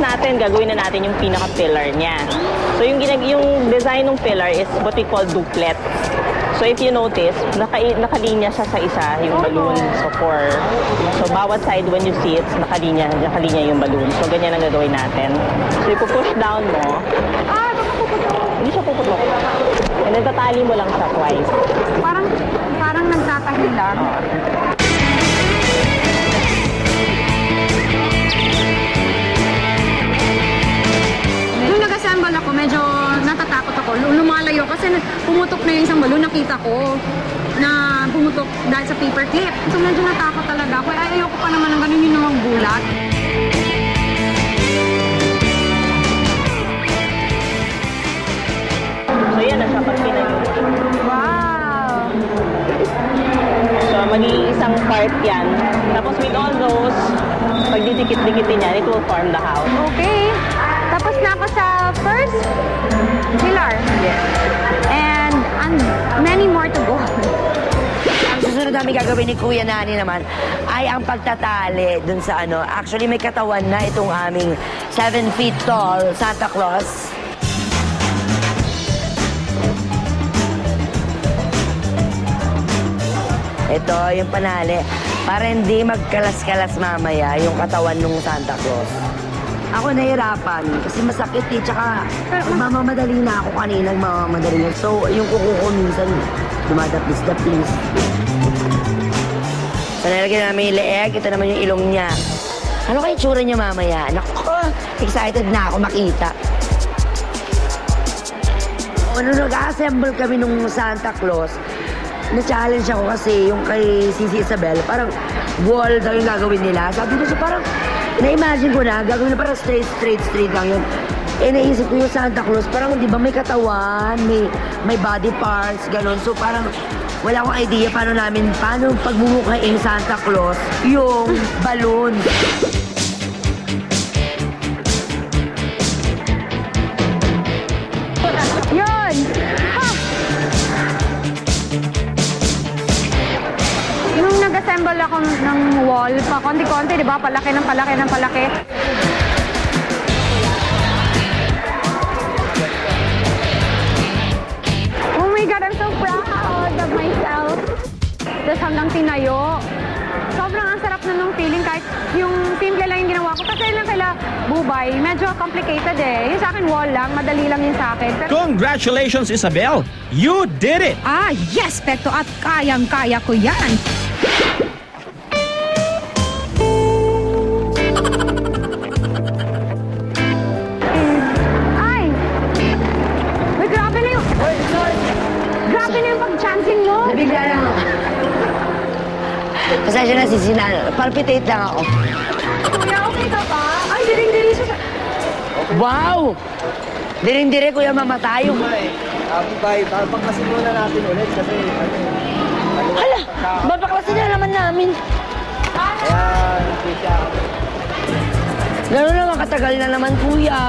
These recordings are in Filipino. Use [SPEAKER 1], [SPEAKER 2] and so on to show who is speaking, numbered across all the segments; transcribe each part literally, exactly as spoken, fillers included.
[SPEAKER 1] natin, gagawin na natin yung pinaka-pillar niya. So yung, ginag yung design ng pillar is what we call duplet. So if you notice, naka nakalinya siya sa isa, yung balloon. So for, so bawat side when you see it, nakalinya, nakalinya yung balloon. So ganyan ang gagawin natin. So ipupush down mo.
[SPEAKER 2] Ah, baka puputok.
[SPEAKER 1] Hindi siya puputok. And then tatali mo lang siya twice.
[SPEAKER 2] Parang, parang nagtatahilan.
[SPEAKER 1] Oh.
[SPEAKER 2] Nung nag-assemble ako, medyo natatakot ako. Lumalayo kasi pumutok na yung isang balon. Nakita ko na pumutok dahil sa paper clip. So medyo natakot talaga ako. Ay, ayoko pa naman ng ganun yung namang bulat.
[SPEAKER 1] So yan na siya pag pinayo.
[SPEAKER 2] Wow!
[SPEAKER 1] So magiging isang part yan. Tapos with all those, pag didikit-dikitin yan, it will form the house.
[SPEAKER 2] Okay. Tapos na ako sa first pillar.
[SPEAKER 1] Yes.
[SPEAKER 2] And, and many more to go.
[SPEAKER 3] Ang susunod namin gagawin ni Kuya Nani naman ay ang pagtatali dun sa ano. Actually, may katawan na itong aming seven feet tall Santa Claus. Ito, yung panali. Para hindi magkalas-kalas mamaya yung katawan ng Santa Claus. Ako nahirapan kasi masakit eh. Tsaka mamamadali na ako kanina. Mamamadali na. So, yung kuko ko minsan dumadapis-dapis. So, nalagyan namin yung leeg. Ito naman yung ilong niya. Ano kayo tsura niya mamaya? Naku, excited na ako makita. O, nung nag-assemble kami nung Santa Claus, na-challenge ako kasi yung kay Sisi Isabel, parang wall daw yung gagawin nila. Sabi ko siya, parang na-imagine ko na, gagawin na parang straight, straight, straight lang yun. Eh, naisip ko yung Santa Claus, parang di ba may katawan, may, may body parts, gano'n. So parang wala akong idea paano namin, paano pagmumukhaing Santa Claus yung balloon.
[SPEAKER 2] Yun! Ha! Nung nag-assemble ako ng wall, pa konti-konti, di ba? Palaki ng palaki ng palaki. Oh my God, I'm so proud of myself. Tapos hanggang tinayo. Sobrang ang sarap na nung feeling kahit yung simple lang yung ginawa ko. Kasi lang kaila Bubay, medyo complicated eh. Yung sa akin wall lang, madali lang yun sa akin. Pero
[SPEAKER 4] Congratulations, Isabel! You did it!
[SPEAKER 5] Ah, yes, Pekto, at kayang-kaya ko yan.
[SPEAKER 2] Ay! Uy, grabe na yung... Grabe na yung pag-chancing mo.
[SPEAKER 3] Nabigla lang ako. Pasensya na, Sisi na. Palpitate lang ako.
[SPEAKER 2] Kuya, okay ka ba? Ay, diring-diri siya.
[SPEAKER 3] Wow! Diring-dire, Kuya, mamatay.
[SPEAKER 6] Abi bay, babaklasin muna natin ulit kasi ano,
[SPEAKER 3] Hala! Babaklasin na naman namin.
[SPEAKER 6] kaya hindi siya.
[SPEAKER 3] Gano'n naman katagal na naman, Kuya.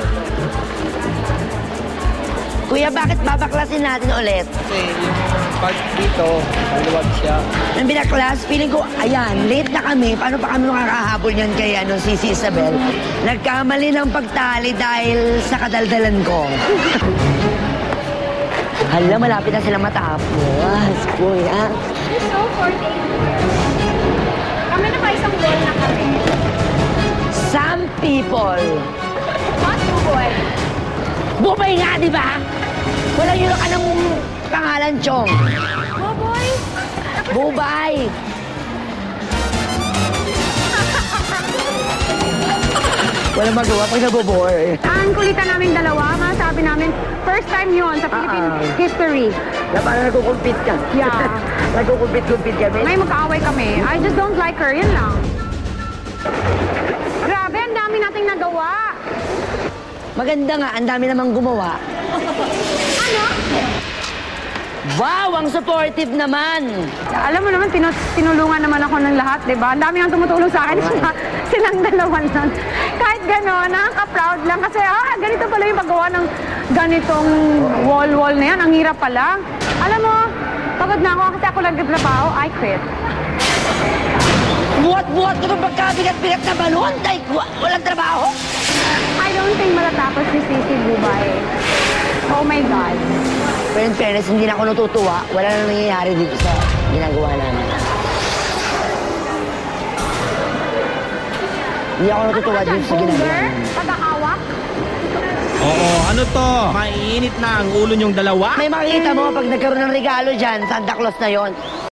[SPEAKER 3] Kuya, bakit babaklasin natin ulit?
[SPEAKER 6] Kasi yung part dito, maluwag siya.
[SPEAKER 3] Nang binaklas, feeling ko, ayan, late na kami. Paano pa kami makakahabol niyan kay ano, si si Isabel? Nagkamali ng pagtali dahil sa kadaldalan ko. Hala, malapit na sila matapos, Kuya.
[SPEAKER 2] So, forty. Kami na pa isang wall na kami.
[SPEAKER 3] Some people.
[SPEAKER 2] What, boy?
[SPEAKER 3] Bumay nga, di ba? Walang yun ka ng pangalan, Chong.
[SPEAKER 2] Oh, boy?
[SPEAKER 3] Bubay. Walang magawa pag nabobore.
[SPEAKER 2] Ang kulitan namin dalawa, masabi namin, first time yun sa Philippine
[SPEAKER 3] Ah.
[SPEAKER 2] history.
[SPEAKER 3] Na parang nagkukumpit ka.
[SPEAKER 2] Yeah.
[SPEAKER 3] Nagkukumpit-kumpit kami.
[SPEAKER 2] May magkaaway kami. I just don't like her, yun lang. Grabe, ang dami nating nagawa.
[SPEAKER 3] Maganda nga, ang dami namang gumawa.
[SPEAKER 2] Ano?
[SPEAKER 3] Wow, ang supportive naman.
[SPEAKER 2] Alam mo naman, tinu tinulungan naman ako ng lahat, di ba? Ang dami ang tumutulong sa akin, sila, silang dalawan nun. Kahit gano'n, nakaka-proud lang kasi, ah, ganito pala yung paggawa ng ganitong wall-wall na yan. Ang hirap pala. Alam mo, pagod na ako kasi ako lang nagtrabaho, I quit.
[SPEAKER 3] Buhat-buhat ko pa pagkabigat-bigat na balon. Tay, wa- walang trabaho.
[SPEAKER 2] I don't think matatapos ni Sisi Dubai. Oh my God.
[SPEAKER 3] Pero in fairness, hindi na ako natutuwa. Wala na nangyayari dito sa ginagawa namin. Hindi ako natutuwa
[SPEAKER 2] Ano ka
[SPEAKER 3] dito sa
[SPEAKER 2] dyan,
[SPEAKER 3] ginagawa
[SPEAKER 2] Boomer?
[SPEAKER 3] namin.
[SPEAKER 2] Tagahawak?
[SPEAKER 4] Oo, ano to? Mainit na ang ulo niyong dalawa?
[SPEAKER 3] May makikita mo pag nagkaroon ng regalo dyan, Santa Claus na yon.